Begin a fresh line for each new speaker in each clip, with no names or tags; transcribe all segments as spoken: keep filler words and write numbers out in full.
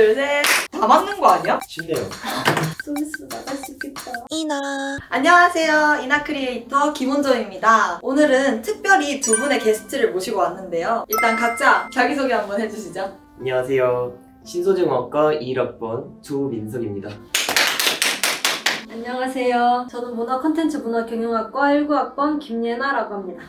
둘, 셋. 다 맞는 거 아니야?
쉽네요.
서비스 나갈 수 있겠다.
이나
안녕하세요. 이나 크리에이터 김원정입니다. 오늘은 특별히 두 분의 게스트를 모시고 왔는데요. 일단 각자 자기소개 한번 해주시죠.
안녕하세요. 신소재공학과 이 일 학번 조민석입니다.
안녕하세요. 저는 문화 콘텐츠 문화 경영학과 일 구 학번 김예나라고 합니다.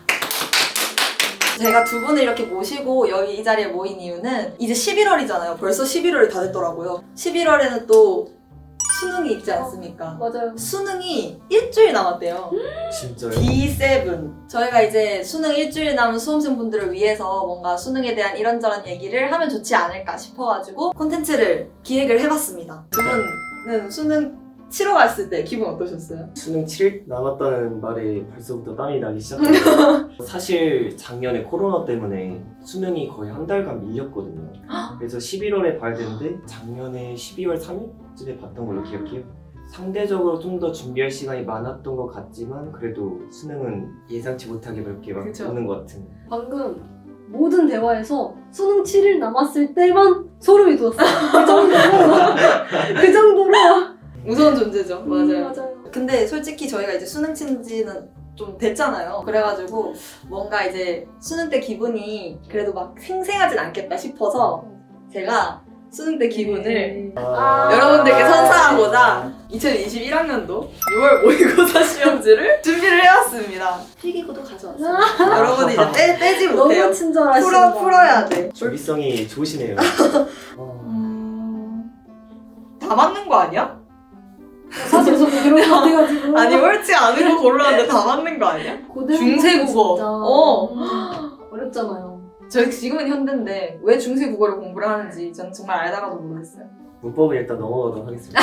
제가 두 분을 이렇게 모시고 여기 이 자리에 모인 이유는 이제 십일월이잖아요. 벌써 십일월이 다 됐더라고요. 십일월에는 또 수능이 있지 않습니까?
맞아요.
수능이 일주일 남았대요.
진짜요?
디 세븐. 저희가 이제 수능 일주일 남은 수험생분들을 위해서 뭔가 수능에 대한 이런저런 얘기를 하면 좋지 않을까 싶어가지고 콘텐츠를 기획을 해봤습니다. 두 분은 수능 치러 갔을 때 기분 어떠셨어요?
수능 칠 일 남았다는 말에 벌써부터 땀이 나기 시작해요. 사실 작년에 코로나 때문에 수능이 거의 한 달간 밀렸거든요. 그래서 십일월에 봐야 되는데 작년에 십이월 삼 일쯤에 봤던 걸로 기억해요. 상대적으로 좀 더 준비할 시간이 많았던 것 같지만 그래도 수능은 예상치 못하게 그렇게 막
그쵸.
오는 것 같은.
방금 모든 대화에서 수능 칠 일 남았을 때만 소름이 돋았어요. 그 정도로 그 정도로
무서운 존재죠. 맞아요.
음, 맞아요.
근데 솔직히 저희가 이제 수능 친 지는 좀 됐잖아요. 그래가지고 뭔가 이제 수능 때 기분이 그래도 막 생생하진 않겠다 싶어서 제가 수능 때 기분을
아.
여러분들께 선사하고자 이천이십일 학년도 유월 모의고사 시험지를 준비를 해왔습니다. 필기구도 가져왔어요. 여러분이 이제 빼, 빼지 못해요.
너무 친절하시다.
풀어, 풀어야 돼.
준비성이 좋으시네요. 어,
음... 다 맞는 거 아니야?
사실 저도 그런 거 같아가지고.
아니 옳지 않은 거 고르는데 다 맞는 거 아니야?
고등
중세국어.
진짜
어.
어렵잖아요.
저희 지금은 현대인데 왜 중세 국어를 공부를 하는지 저는 정말 알다가도 모르겠어요.
문법은 일단 넘어가도록 하겠습니다.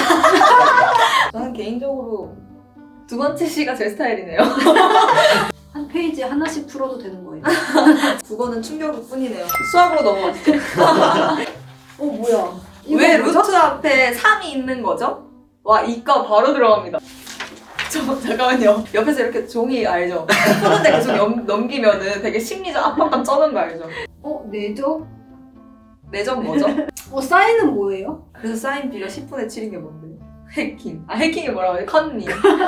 저는 개인적으로 두 번째 시가 제 스타일이네요.
한 페이지 하나씩 풀어도 되는 거예요.
국어는 충격일 뿐이네요. 수학으로 넘어가시죠.
어 뭐야? 이거
왜
뭐죠?
루트 앞에 삼이 있는 거죠? 와 이과 바로 들어갑니다. 저 잠깐만요. 옆에서 이렇게 종이 알죠? 푸는데 계속 넘, 넘기면은 되게 심리적 압박감 쩌는 거 알죠?
어 내죠?
내전 뭐죠?
어 사인은 뭐예요?
그래서 사인 B가 십분의 칠인 게 뭔데? 해킹. 아 해킹이 뭐라고 해? 컨니.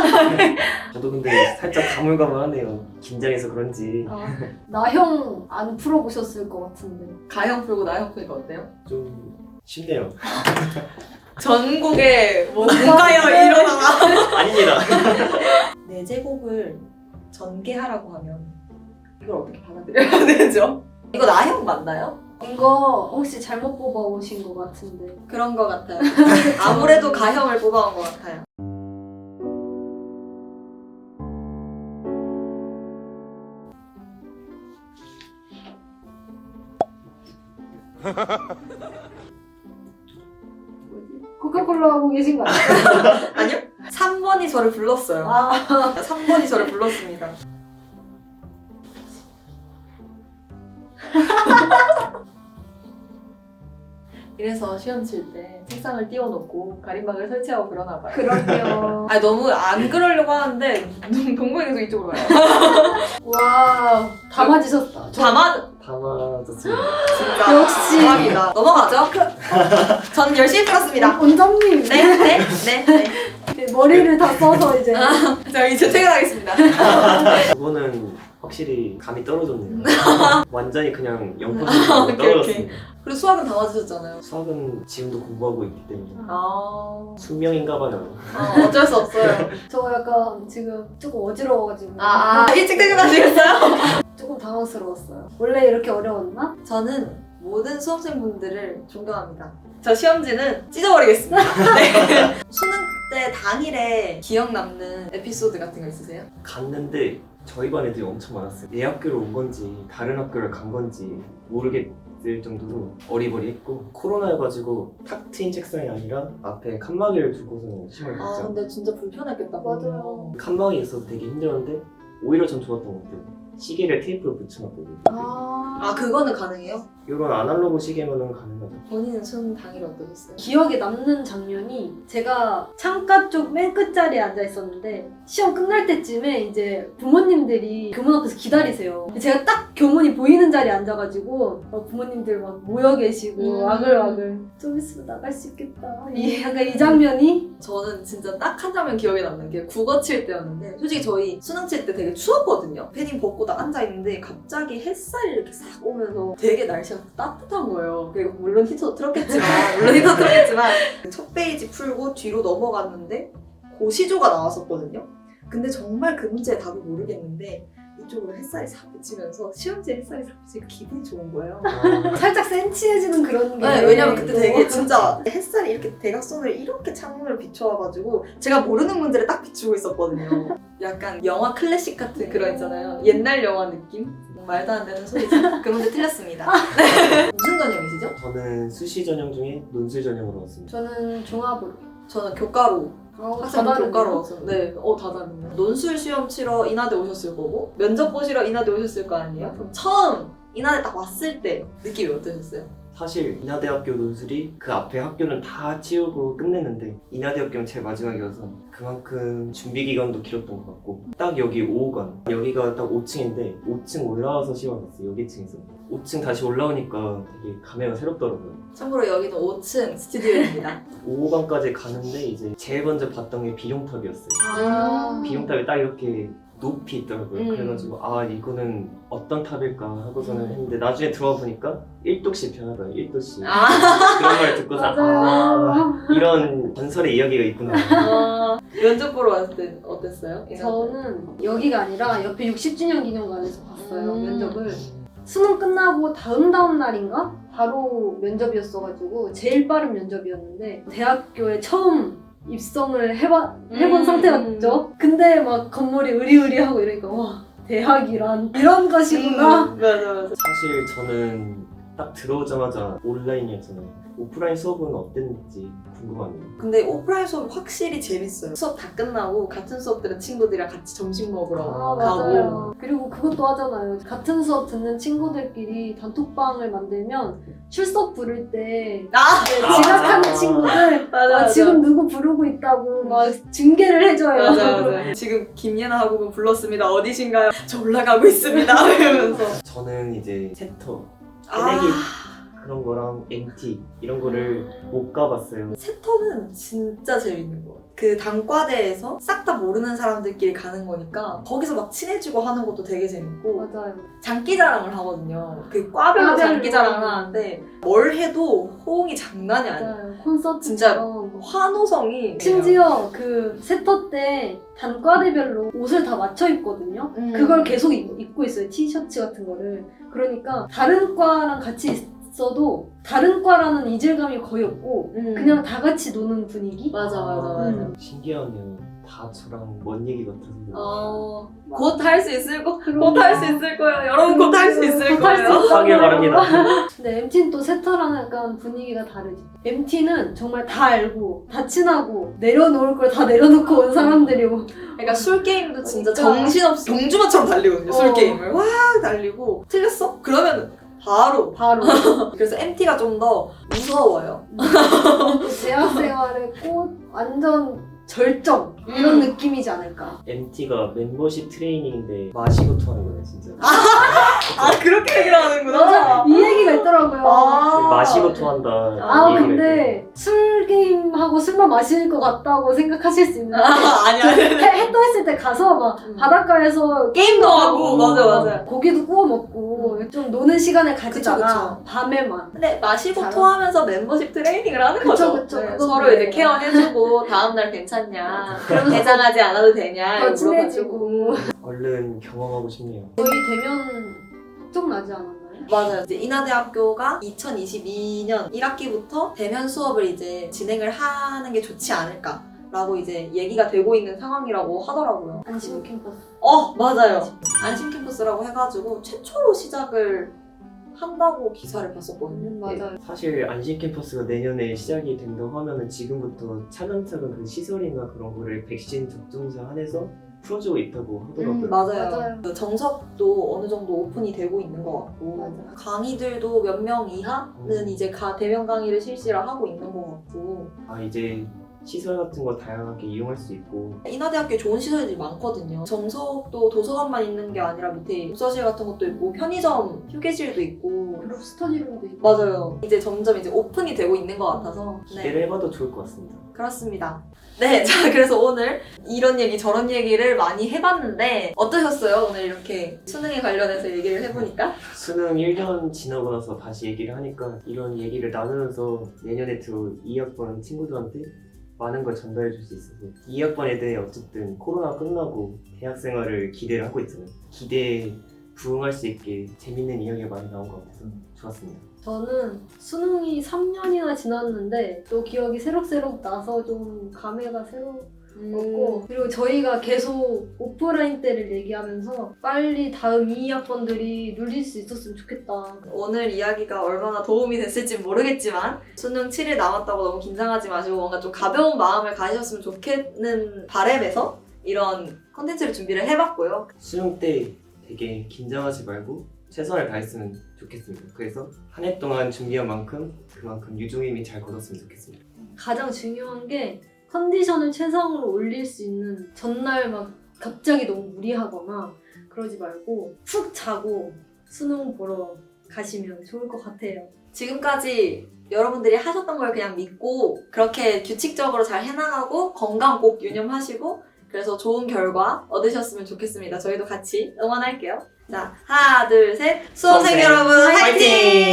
저도 근데 살짝 가물가물하네요. 긴장해서 그런지
아, 나형 안 풀어보셨을 것 같은데.
가형 풀고 나형 푸니까 어때요?
좀 쉽네요.
전국에 뭐 뭔가요 일어나가.
아닙니다.
네 제곱을 전개하라고 하면 이걸 어떻게 받아들여야 되죠? 이거 나형 맞나요?
이거 혹시 잘못 뽑아오신 것 같은데.
그런 거 같아요. 아무래도 가형을 뽑아온 것 같아요.
코카콜라 하고 계신 거 아니에요?
아니요? 삼 번이 저를 불렀어요.
아,
삼 번이 저를 불렀습니다. 이래서 시험 칠 때 책상을 띄워놓고 가림막을 설치하고 그러나 봐요.
그럼요.
아니 너무 안 그러려고 하는데 동동이 계속 이쪽으로 가요.
와, 다 맞으셨다. 저
다 맞...
다 맞았습니다.
진짜
역시.
대박이다. 넘어가죠? 저는 열심히 풀었습니다.
원장님.
네, 네, 네, 네.
네, 머리를 다 써서 이제.
자 이제 퇴근하겠습니다.
그거는 확실히 감이 떨어졌네요. 완전히 그냥 영
오케이,
퍼센트 떨어졌습니다.
그리고 수학은 다 맞으셨잖아요.
수학은 지금도 공부하고 있기 때문에
아,
숙명인가 봐요.
아 어쩔 수 없어요.
저 약간 지금 조금 어지러워가지고.
아, 아 일찍 퇴근하시겠어요?
조금 당황스러웠어요. 원래 이렇게 어려웠나?
저는 모든 수험생분들을 존경합니다. 저 시험지는 찢어버리겠습니다. 네. 수능 때 당일에 기억 남는 에피소드 같은 거 있으세요?
갔는데 저희 반 애들이 엄청 많았어요. 내 학교로 온 건지 다른 학교를 간 건지 모르겠을 정도로 어리버리했고 코로나여가지고 탁 트인 책상이 아니라 앞에 칸막이를 두고서 시험을
아
봤죠.
근데 진짜 불편했겠다.
맞아요.
칸막이 있어서 되게 힘들었는데 오히려 전 좋았던 것 같아요. 시계를 테이프로 붙여놨거든요.
아,
아 그거는 가능해요?
이런 아날로그 시계면은 가능하죠.
본인은 수능 당일 어떠셨어요?
기억에 남는 장면이 제가 창가 쪽 맨 끝자리에 앉아 있었는데 시험 끝날 때쯤에 이제 부모님들이 교문 앞에서 기다리세요. 제가 딱 교문이 보이는 자리에 앉아가지고 막 부모님들 막 모여 계시고
음.
와글와글 좀 있으면 나갈 수 있겠다. 이 약간 이 장면이
저는 진짜 딱 한 장면 기억에 남는 게 국어 칠 때였는데 솔직히 저희 수능 칠 때 되게 추웠거든요. 패딩 벗고 딱 앉아있는데 갑자기 햇살이 이렇게 싹 오면서 되게 날씨가 따뜻한 거예요. 그리고 물론 히터도 틀었겠지만 물론 히터 틀었겠지만 첫 페이지 풀고 뒤로 넘어갔는데 고시조가 나왔었거든요. 근데 정말 그 문제의 답을 모르겠는데 이쪽으로 햇살이 싹 비치면서 시험지에 햇살이 싹 비치니까 기분이 좋은 거예요.
아,
살짝 센치해지는 그런 게
네, 왜냐면 그때
또
되게 진짜 햇살이 이렇게 대각선으로 이렇게 창문을 비춰와가지고 제가 모르는 문제를 딱 비추고 있었거든요. 약간 영화 클래식 같은 그런 있잖아요. 옛날 영화 느낌? 말도 안 되는 소리죠. 그 문제 틀렸습니다. 무슨 전형이시죠?
저는 수시 전형 중에 논술 전형으로 왔습니다.
저는 종합으로
저는 교과로
어,
학생
다 다르네요.
교과로 와서 네, 어 다 다르네요. 논술 시험 치러 인하대 오셨을 거고 면접 보시러 인하대 오셨을 거 아니에요? 그럼 처음 인하대 딱 왔을 때 느낌이 어떠셨어요?
사실 인하대학교 논술이 그 앞에 학교는 다 치우고 끝내는데 인하대학교는 제일 마지막이어서 그만큼 준비 기간도 길었던 것 같고 딱 여기 오 호관 여기가 딱 오 층인데 오 층 올라와서 시험을 봤어요. 여기 층에서 오 층 다시 올라오니까 되게 감회가 새롭더라고요.
참고로 여기는 오 층 스튜디오입니다.
오 호관까지 가는데 이제 제일 먼저 봤던 게 비룡탑이었어요.
아.
비룡탑이 딱 이렇게 높이 있더라고요.
음.
그래가지고 아 이거는 어떤 탑일까 하고서는
음.
했는데 나중에 들어와 보니까 일 도씩 변하더라고요. 일 도씩
아,
그런 걸 듣고서 아
맞아요.
이런 전설의 이야기가 있구나.
아 면접 보러 왔을 때 어땠어요?
저는 여기가 아니라 옆에 육십 주년 기념관에서 봤어요.
음.
면접을. 수능 끝나고 다음 다음 날인가? 바로 면접이었어가지고 제일 빠른 면접이었는데 대학교에 처음 입성을 해봐, 해본
음.
상태였죠. 근데 막 건물이 으리으리하고 이러니까 와 대학이란 이런 것이구나.
음, 맞아 맞아.
사실 저는 딱 들어오자마자 온라인이었잖아요. 오프라인 수업은 어땠는지 궁금하네요.
근데 오프라인 수업 확실히 재밌어요. 수업 다 끝나고 같은 수업 들은 친구들이랑 같이 점심 먹으러
아
가고.
맞아요. 그리고 그것도 하잖아요. 같은 수업 듣는 친구들끼리 단톡방을 만들면 출석 부를 때
아
이제
아,
지각하는
맞아.
친구들
맞아,
아,
맞아.
지금 누구 부르고 있다고 막 중계를 해줘요.
맞아 맞아. 지금 김예나 학우분 불렀습니다. 어디신가요? 저 올라가고 있습니다. 이러면서.
저는 이제 세터,
아.
새내기 그런 거랑 엠티 이런 거를 못 가봤어요.
세터는 진짜 재밌는 거 같아요. 그 단과대에서 싹 다 모르는 사람들끼리 가는 거니까 거기서 막 친해지고 하는 것도 되게 재밌고
맞아요.
장기자랑을 하거든요. 그 과별로
과별로.
장기자랑을 하는데 뭘 해도 호응이 장난이 아니에요.
맞아요. 콘서트
진짜 환호성이
심지어 그 세터 때 단과대별로 옷을 다 맞춰 입거든요.
음.
그걸 계속 입, 입고 있어요. 티셔츠 같은 거를. 그러니까 다른 과랑 같이 있어도 다른 과라는 이질감이 거의 없고
음.
그냥 다 같이 노는 분위기?
맞아 맞아 맞아.
음.
신기하네요. 다 저랑 먼 얘기 같아서.
어, 곧 할 수 있을 거,
그럼-
곧 할 수 있을 거예요. 여러분 곧 할 수 있을
곧할수
거예요.
있어요.
하길 바랍니다.
근데 엠티는 또 세터랑 약간 분위기가 다르지. 엠티는 정말 다 알고 다 친하고 내려놓을 걸 다 내려놓고 온 사람들이고
그러니까 술 게임도 진짜
그러니까.
정신없이 경주마처럼 달리거든요. 술
어.
게임을 와 달리고 틀렸어? 그러면 바로.
바로
그래서 엠티가 좀 더 무서워요.
대학생활의 꽃 완전 절정 이런
음.
느낌이지 않을까.
엠티가 멤버십 트레이닝인데 마시고 토하는 거예요, 진짜.
아 그렇게 얘기를 하는구나.
이 얘기가 있더라고요.
아.
마시고 토한다.
아
이 얘기가
근데 술 게임하고 술만 마실 것 같다고 생각하실 수 있는데
아, 아니야.
해, 해떠 했을 때 가서 막
음.
바닷가에서
게임도 하고 맞아
막
맞아.
고기도 구워 먹고 좀 노는 시간을 가지다가
그쵸.
밤에만
근데 마시고
잘
토하면서 멤버십 트레이닝을 하는
그쵸,
거죠.
그쵸.
네,
그건
서로
그래요.
이제 케어해주고 다음날 괜찮냐.
그러면서
대장하지 않아도 되냐.
더
이거
친해지고
물어봐주고.
얼른 경험하고 싶네요.
저희 대면 좀 나지 않았나요?
맞아요. 이제 인하대학교가 이천이십이 년 일 학기부터 대면 수업을 이제 진행을 하는 게 좋지 않을까라고 이제 얘기가 되고 있는 상황이라고 하더라고요.
안심 캠퍼스.
어 맞아요. 안심 캠퍼스라고 해가지고 최초로 시작을 한다고 기사를 봤었거든요.
음, 맞아요.
사실 안심 캠퍼스가 내년에 시작이 된다고 하면은 지금부터 차근차근 그 시설이나 그런 거를 백신 접종자 한해서 풀어주고 있다고 하더라고요.
음, 맞아요.
맞아요.
그 정석도 어느 정도 오픈이 되고 있는 것 같고
맞아요.
강의들도 몇 명 이하는
음.
이제 가 대면 강의를 실시를 하고 있는 것 같고
아 이제 시설 같은 거 다양하게 이용할 수 있고
인하대학교에 좋은 시설들이 많거든요. 정석도 도서관만 있는 게 아니라 밑에 독서실 같은 것도 있고 편의점, 휴게실도 있고
그룹 스터디룸도 있고.
맞아요. 이제 점점 이제 오픈이 되고 있는 것 같아서
기대를 해봐도 좋을 것 같습니다.
그렇습니다. 네, 자 그래서 오늘 이런 얘기 저런 얘기를 많이 해봤는데 어떠셨어요? 오늘 이렇게 수능에 관련해서 얘기를 해보니까?
수능 일 년 지나고 나서 다시 얘기를 하니까 이런 얘기를 나누면서 내년에 들어올 이 학번 친구들한테 많은 걸 전달해 줄 수 있어서 이 학번 애들이 어쨌든 코로나 끝나고 대학 생활을 기대를 하고 있잖아요. 기대에 부응할 수 있게 재밌는 이야기가 많이 나온 것 같아서 좋았습니다.
저는 수능이 삼 년이나 지났는데 또 기억이 새록새록 나서 좀 감회가 새롭고
음,
그리고 저희가 계속 오프라인 때를 얘기하면서 빨리 다음 이 학번들이 눌릴 수 있었으면 좋겠다.
오늘 이야기가 얼마나 도움이 됐을지 모르겠지만 수능 칠 일 남았다고 너무 긴장하지 마시고 뭔가 좀 가벼운 마음을 가지셨으면 좋겠는 바람에서 이런 콘텐츠를 준비를 해봤고요.
수능 때 되게 긴장하지 말고 최선을 다했으면 좋겠습니다. 그래서 한 해 동안 준비한 만큼 그만큼 유종임이 잘 걸었으면 좋겠습니다.
가장 중요한 게 컨디션을 최상으로 올릴 수 있는 전날 막 갑자기 너무 무리하거나 그러지 말고 푹 자고 수능 보러 가시면 좋을 것 같아요.
지금까지 여러분들이 하셨던 걸 그냥 믿고 그렇게 규칙적으로 잘 해나가고 건강 꼭 유념하시고 그래서 좋은 결과 얻으셨으면 좋겠습니다. 저희도 같이 응원할게요. 자, 하나, 둘, 셋. 수험생
수험생
여러분 화이팅!